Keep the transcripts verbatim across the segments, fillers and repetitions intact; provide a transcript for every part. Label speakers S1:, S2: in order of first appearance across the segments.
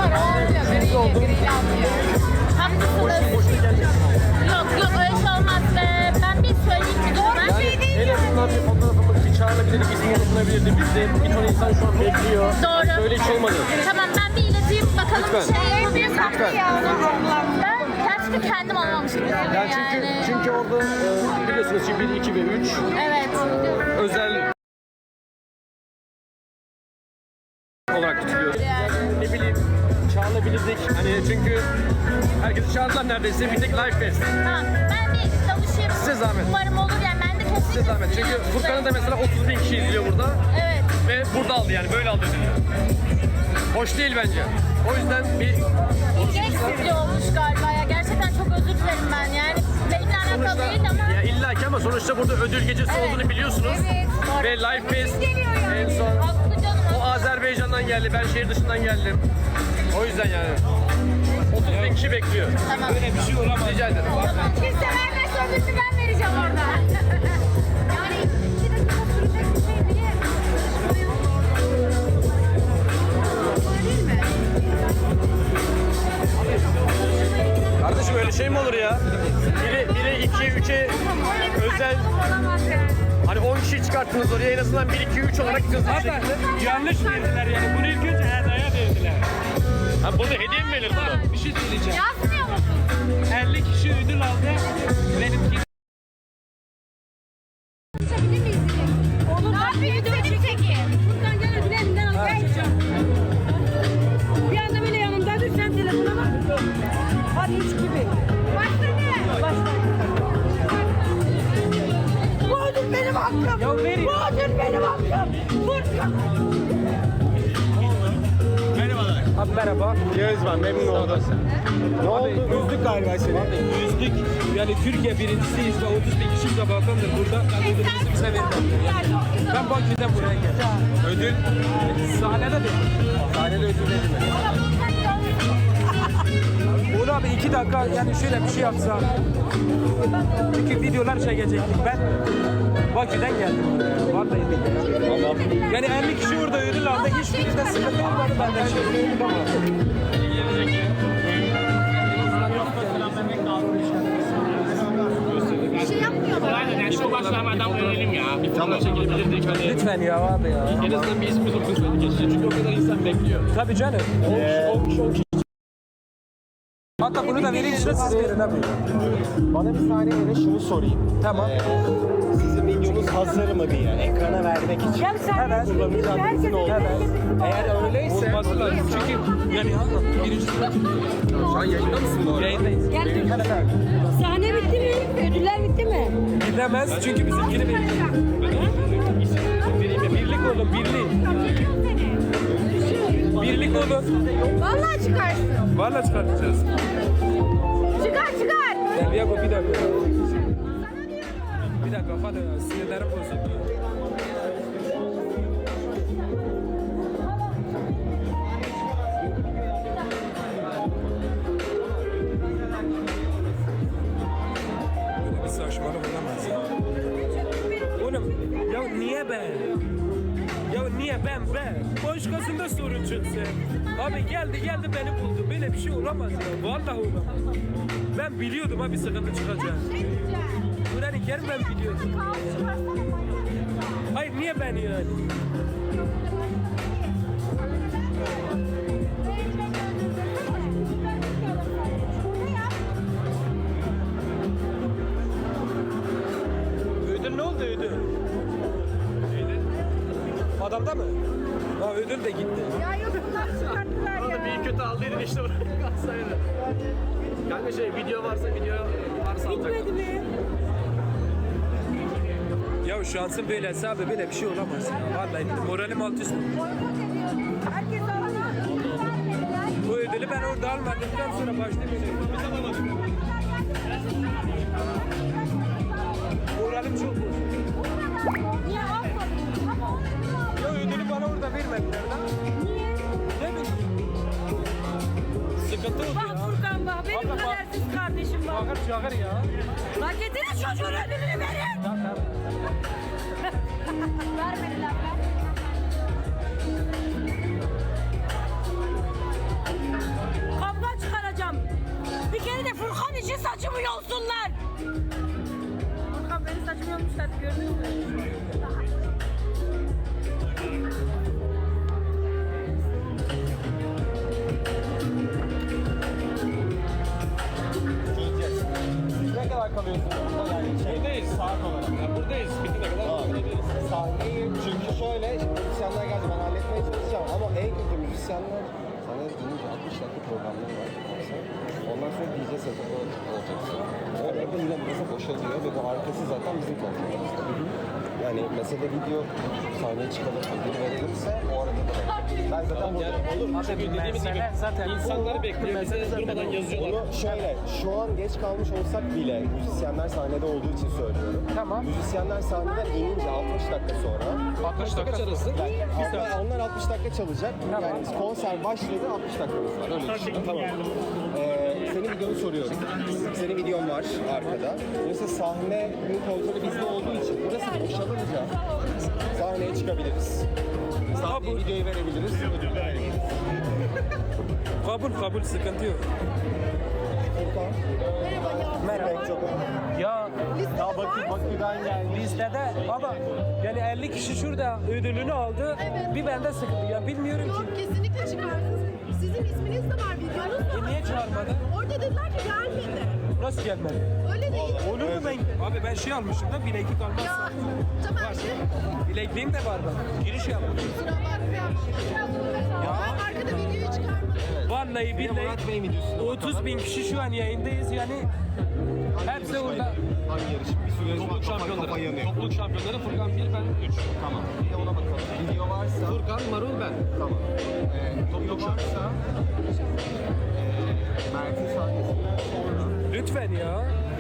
S1: var, o oluyor. Griyle, griyle alıyor. Haklısınız. Yok yok, öyle şey olmaz. Ee, ben bir söyleyeyim mi? Doğru
S2: Yani
S1: şey değil
S2: en
S1: mi?
S2: azından bir fotoğrafımız bir çağrılabilirdi, bizim yapılabilirdi. Bizde bir ton insan şu an bekliyor.
S1: Doğru.
S2: Böyle hiç olmadı.
S1: Tamam, ben bir ileteyim bakalım.
S2: Lütfen.
S1: Şey yapabiliriz.
S2: Lütfen.
S1: Ben gerçekten kendim olmamış gibi yani.
S2: Yani çünkü, çünkü orada e, biliyorsunuz ki bir, iki ve üç
S1: Evet.
S2: özel olarak tutuluyor. Ne bileyim çağırabilirdik. Hani çünkü herkesi çağırdılar neredeyse. Bir tek Live Fest.
S1: Tamam, ben bir danışayım.
S2: Size zahmet.
S1: Umarım olur yani, ben de kesinlikle.
S2: Size zahmet. Çünkü Furkan'ı da mesela otuz bin kişi izliyor burada.
S1: Evet.
S2: Ve burada aldı yani böyle aldı ödülü. Hoş değil bence. O yüzden bir
S1: Gereksizce olmuş galiba ya. Gerçekten çok özür dilerim ben yani. Benimle alakalı
S2: sonuçta
S1: değil ama.
S2: ya illa ki ama sonuçta burada ödül gecesi
S1: Evet.
S2: olduğunu biliyorsunuz.
S1: Evet. Doğru.
S2: Ve Live Fest
S1: Geliyor yani.
S2: en son
S1: Haklı canım.
S2: o Azerbaycan'dan geldi. Ben şehir dışından geldim. O yüzden yani otuz bin kişi bekliyor.
S1: Tamam.
S2: Böyle bir şey olamaz. Rica ederim.
S1: Tamam. Kimse vermezse ödülünü ben vereceğim orada. Yani iki dakika sürecek bir şey değil. Değil mi?
S2: Kardeşim öyle şey mi olur ya? Biri, biri iki, üçe özel hani on kişi çıkarttınız oraya en azından bir, iki, üç olarak hızlı bir şekilde.
S3: Yanlış verdiler yani. Bunu ilk önce Erda'ya verdiler.
S2: Ha burada hediye mi verir bunu?
S3: Bir şey söyleyeceğim.
S1: Yazmıyor musun?
S3: elli kişi ödül aldı. Benimki
S1: Çekebilir miyiz? Olur. Ne yapayım? Senin çekeyim.
S4: Buradan gel ödül elinden al. Gel. Bir anda böyle yanımda dur, sen telefona bak. Hadi üç gibi.
S1: Başladı.
S4: Başla. Bu ödül benim hakkım.
S3: Ya verin.
S4: Bu ödül benim hakkım. Furkan.
S3: Merhabalar.
S2: Abi merhaba. Yağız ben memnun oldum. Ne oldu?
S3: Üzdük galiba seni. Abi üzdük. Yani Türkiye birincisiyiz ve otuz bin kişi de balkondur burada. Ben ödülümüzü bize vermem. Ben Bakü'den buraya geldim. Ödül sahnede de.
S2: Sahnede ödül verilmedi.
S3: Uğur abi iki dakika yani şöyle bir şey yapsa. Çünkü videolar çekecektik. Ben Bakü'den geldim buraya. Vallahi billahi. Yani elli kişi orada ödül aldı. Hiçbirinde sıkıntı olmadı benden. Şey ödül ama.
S1: Bir şey yapmıyor mu?
S5: Bu başlamadan verelim ya.
S2: Bir tane çekilebilirdik hani.
S3: Lütfen ya abi ya.
S2: En azından bir ismimiz okunsaydı geçecek. Çünkü o kadar insan bekliyor.
S3: Tabii canım.
S2: on kişi, on kişi.
S3: Hatta bunu da vereyim size, siz verin abi.
S6: Bana bir saniye yine şunu sorayım.
S3: Tamam.
S6: Ee, sizin videonuz hazır mı diye ekrana vermek için.
S4: Gel sen.
S3: Hemen.
S6: Kullanıcı adresin oldu. Eğer öyleyse
S3: Olması lazım. Çünkü yani birinci sıra
S2: Şu an yayında mısın bu arada?
S3: yayındayız.
S4: Gel dur. Sahne bitti mi? Ödüller bitti mi?
S3: Gidemez çünkü bizimkini bekliyor. Birlik olun, birlik. Birlik olun.
S1: Vallahi çıkarsın.
S3: Vallahi çıkartacağız.
S1: Çıkar çıkar.
S3: Gel Yago bir dakika. Bir dakika hadi ya, sinirlerim bozuldu. Böyle bir saçmalık olamaz ya. Oğlum ya niye ben? Ya niye ben ben? Başkasında sorun çıksın. Abi geldi geldi beni buldu. Böyle bir şey olamaz ya. Vallahi olamaz. Ben biliyordum abi sıkıntı çıkacak. Kur'an-ı Kerim ben biliyordum. Hayır niye ben yani? Ödül ne oldu ödül? Adamda mı? Ha ödül de gitti.
S1: Ya yok, bunlar çıkarttılar ya.
S2: Orada bir kötü aldıydın işte oraya kalsaydı. Kanka şey video varsa video varsa alacak.
S4: Bitmedi mi?
S3: Ya şansın böylesi abi böyle bir şey olamaz ya. Vallahi moralim alt üst.
S4: Herkes alana.
S3: Bu ödülü ben orada almadıktan sonra başlamayacağım. Biz alamadık. Moralim çok bozuldu.
S4: Niye almadın?
S3: Ya ödülü bana orada vermediler lan.
S4: Niye?
S3: Ne bileyim. Sıkıntı oldu
S4: Bak
S3: ya.
S4: Furkan bak, benim
S3: Abla bak.
S4: kadersiz kardeşim bak.
S3: Çağır çağır ya.
S4: Lan getirin çocuğun ödülünü verin.
S3: Tamam tamam.
S1: Vermediler.
S4: saçımı yolsunlar.
S1: Furkan benim saçımı yolmuşlar gördün mü?
S6: Çözeceğiz. Siz ne kadar kalıyorsunuz burada yani? Şey,
S2: Buradayız.
S6: saat olarak.
S2: Ya buradayız. Bitene kadar
S6: Aa,
S2: oturabiliriz.
S6: Sahneyi çünkü şöyle müzisyenler geldi ben halletmeye çalışacağım ama en kötü müzisyenler sana deyince altmış dakika programları var. Ondan sonra D J setup'ı olacaksın. Orada yine burası boşalıyor ve bu arkası zaten bizim kontrolümüzde. Yani mesele video sahneye çıkalım, ödül verilirse o arada da ben zaten burada olur mu?
S2: Çünkü dediğimiz gibi
S3: zaten
S2: insanları bekliyor. Bize durmadan yazıyorlar.
S6: Bunu şöyle, şu an geç kalmış olsak bile müzisyenler sahnede olduğu için söylüyorum.
S3: Tamam.
S6: Müzisyenler sahneden inince altmış dakika sonra
S3: altmış dakika arası.
S6: yani onlar, onlar altmış dakika çalacak. Yani konser başladı altmış dakikamız var. Öyle düşün. Tamam. Ee, senin videonu soruyorum. Senin videon var arkada. Mesela sahnenin kontrolü bizde olduğu için burası boşalınca sahneye çıkabiliriz. Sahneye videoyu verebiliriz. Ödülü verebiliriz.
S3: Kabul kabul sıkıntı yok.
S6: Furkan. Merhaba. Çok
S3: Ya
S6: Ya bakın Bakü'den geldi.
S3: listede ama yani elli kişi şurada ödülünü aldı. Bir bende sıkıntı. Ya bilmiyorum
S7: Yok
S3: ki.
S7: kesinlikle çıkarsınız. Sizin isminiz de var, videonuz da
S3: E
S7: var.
S3: niye çağırmadı?
S7: Orada dediler ki gelmedi.
S3: Nasıl gelmedi?
S7: Öyle değil.
S3: Olur mu ben? Abi ben şey almışım da bileklik
S7: Ya
S3: almazsam.
S7: Tamer şey
S3: Bilekliğim de var ben. Giriş yaptım.
S7: kusura bakma. Ya. Ben arkada videoyu çıkarmadım.
S3: Vallahi billahi
S6: Murat Bey videosunda
S3: otuz bin kişi şu an yayındayız yani. Hepsi orada.
S6: Hangi yarışım? Bir sürü yarışma
S2: Topluluk
S6: kafa, kafa
S2: şampiyonları.
S6: yanıyor.
S2: Topluluk şampiyonları Furkan bir, ben üç.
S6: Tamam. Bir de ona bakalım. Video varsa.
S2: Furkan, Marul, ben.
S6: Tamam. Ee, video varsa. Ee, Mert'in sahnesinden sonra.
S3: Lütfen ya.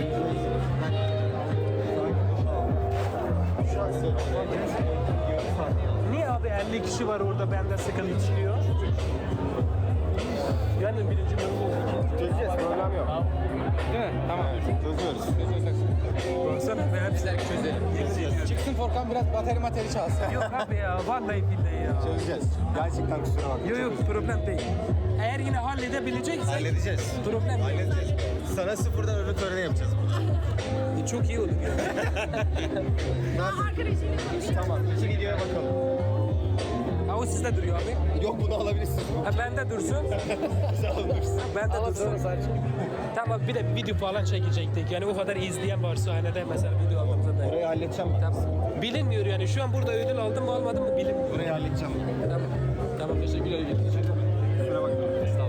S6: Şu an size
S3: Niye abi elli kişi var orada bende sıkıntı çıkıyor? Yani birinci bölüm
S6: çözeceğiz. Problem yok.
S2: Değil mi? Tamam.
S6: Çözüyoruz.
S3: Baksana ve hepsiler çözelim.
S8: Çıksın Furkan biraz bateri materi çalsın.
S3: Yok abi ya vallahi billahi ya.
S6: Çözeceğiz. Gerçekten kusura bakma.
S3: Yok yok problem değil. Eğer yine halledebileceksek
S6: Halledeceğiz.
S3: problem yok.
S6: Halledeceğiz. Sana sıfırdan ödül töreni yapacağız.
S3: E, Çok iyi olur ya.
S7: Arkadaşıyla konuşuyor.
S6: Tamam. İki videoya bakalım.
S3: Ha o sizde duruyor abi.
S6: Yok bunu alabilirsin.
S3: Ha bende dursun.
S6: Sağ olun.
S3: Bende dursun. Tamam bir de video falan çekecektik. Yani o kadar izleyen var sahnede mesela video aldığımızda da.
S6: Burayı halledeceğim ben.
S3: Tamam. Bilinmiyor yani şu an burada ödül aldım mı almadım mı bilinmiyor.
S6: Burayı halledeceğim.
S3: Tamam. Tamam teşekkürler.
S6: Kusura bakma.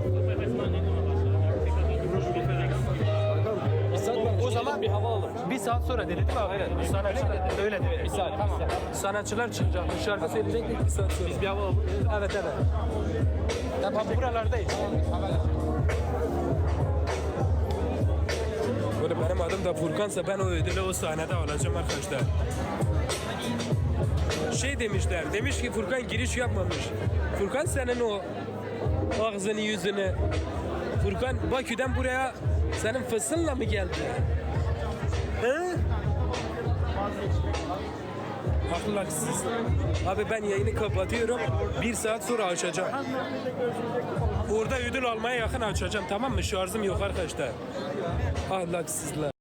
S3: O zaman bir hava alalım. Bir saat sonra dedi değil mi abi? Aynen. Sanatçılar öyle dedi. Bir saat. Tamam. Sanatçılar çıkacak. Şarkı söyleyecektik bir saat sonra. Biz bir hava alalım. Evet evet. Tamam buralardayız. Böyle benim adım da Furkan'sa ben o ödülü o sahnede alacağım arkadaşlar. Şey demişler, demiş ki Furkan giriş yapmamış. Furkan senin o ağzını yüzünü, Furkan Bakü'den buraya senin fısınla mı geldi? He? Haklılar siz. Abi ben yayını kapatıyorum. Bir saat sonra açacağım. Orada ödül almaya yakın açacağım tamam mı? Şarjım yok arkadaşlar. Ahlaksızlar.